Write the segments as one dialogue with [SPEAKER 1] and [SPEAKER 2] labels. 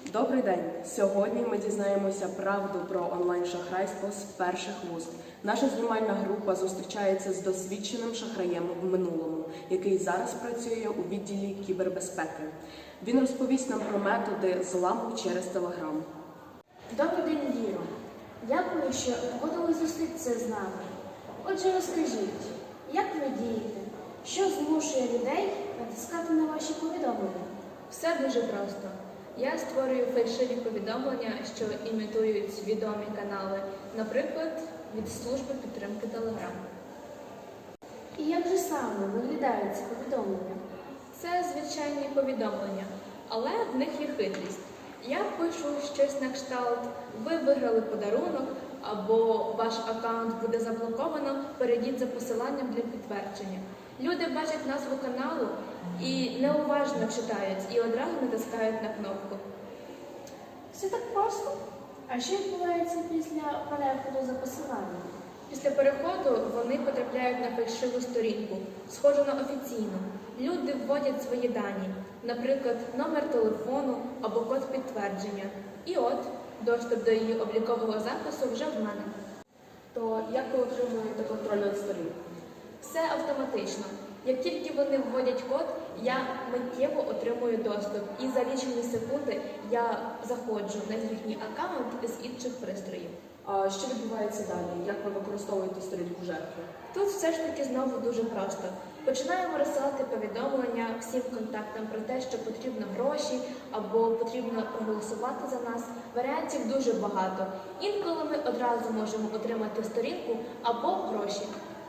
[SPEAKER 1] Добрий день! Сьогодні ми дізнаємося правду про онлайн-шахрайство з перших вуст. Наша знімальна група зустрічається з досвідченим шахраєм в минулому, який зараз працює у відділі кібербезпеки. Він розповість нам про методи зламу через Телеграм.
[SPEAKER 2] Добрий день, Віро. Дякую, що погодились зустрітися з нами. Отже, розкажіть, як ви дієте? Що змушує людей натискати на ваші повідомлення?
[SPEAKER 3] Все дуже просто. Я створюю фальшиві повідомлення, що імітують відомі канали, наприклад, від служби підтримки Telegram.
[SPEAKER 2] І як же саме виглядають ці повідомлення?
[SPEAKER 3] Це звичайні повідомлення, але в них є хитрість. Я пишу щось на кшталт, ви виграли подарунок, або ваш аккаунт буде заблоковано, перейдіть за посиланням для підтвердження. Люди бачать назву каналу і неуважно читають, і одразу натискають на кнопку.
[SPEAKER 2] Все так просто. А що відбувається після переходу за посиланням?
[SPEAKER 3] Після переходу вони потрапляють на фальшиву сторінку, схожу на офіційну. Люди вводять свої дані, наприклад, номер телефону або код підтвердження. І от, доступ до її облікового запису вже в мене.
[SPEAKER 1] То як ви отримуєте контроль над сторінкою?
[SPEAKER 3] Все автоматично. Як тільки вони вводять код, я миттєво отримую доступ. І за лічені секунди я заходжу на їхній аккаунт з інших пристроїв.
[SPEAKER 1] А що відбувається далі? Як ви використовуєте сторінку жертви?
[SPEAKER 3] Тут все ж таки знову дуже просто. Починаємо розсилати повідомлення всім контактам про те, що потрібно гроші або потрібно проголосувати за нас. Варіантів дуже багато. Інколи ми одразу можемо отримати сторінку або гроші.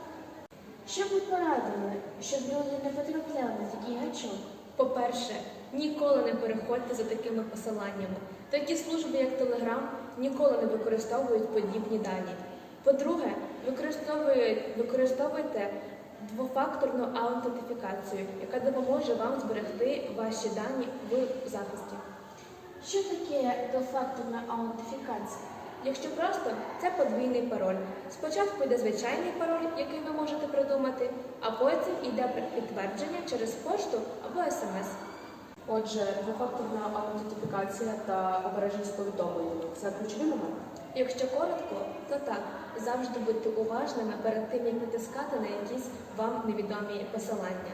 [SPEAKER 2] Що б ви порадили, щоб люди не потрапляли на такий гачок?
[SPEAKER 3] По-перше, ніколи не переходьте за такими посиланнями. Такі служби, як Telegram, ніколи не використовують подібні дані. По-друге, використовуйте двофакторну аутентифікацію, яка допоможе вам зберегти ваші дані в захисті.
[SPEAKER 2] Що таке двофакторна аутентифікація?
[SPEAKER 3] Якщо просто, це подвійний пароль. Спочатку йде звичайний пароль, який ви можете придумати, а потім йде підтвердження через пошту або смс.
[SPEAKER 1] Отже, двофакторна аутентифікація та обережність повідомлень – це ключові моменти?
[SPEAKER 3] Якщо коротко, то так. Завжди будьте уважними перед тим, як натискати на якісь вам невідомі посилання.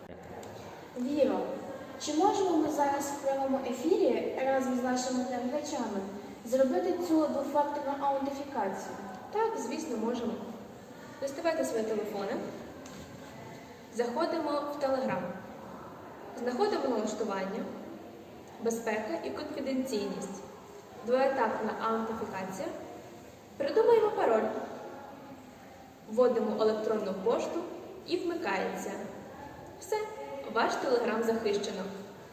[SPEAKER 2] Віро, чи можемо ми зараз в прямому ефірі разом з нашими глядачами зробити цю двофакторну аутентифікацію?
[SPEAKER 3] Так, звісно, можемо. Доставайте свої телефони. Заходимо в Telegram. Знаходимо налаштування, безпека і конфіденційність. Двоетапна аутентифікація. Придумаємо пароль. Вводимо електронну пошту і вмикається. Все, ваш Telegram захищено.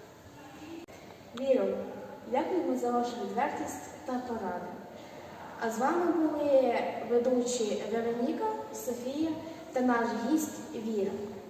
[SPEAKER 2] Віро, дякуємо за вашу відвертість та поради. А з вами були ведучі Вероніка, Софія та наш гість Віра.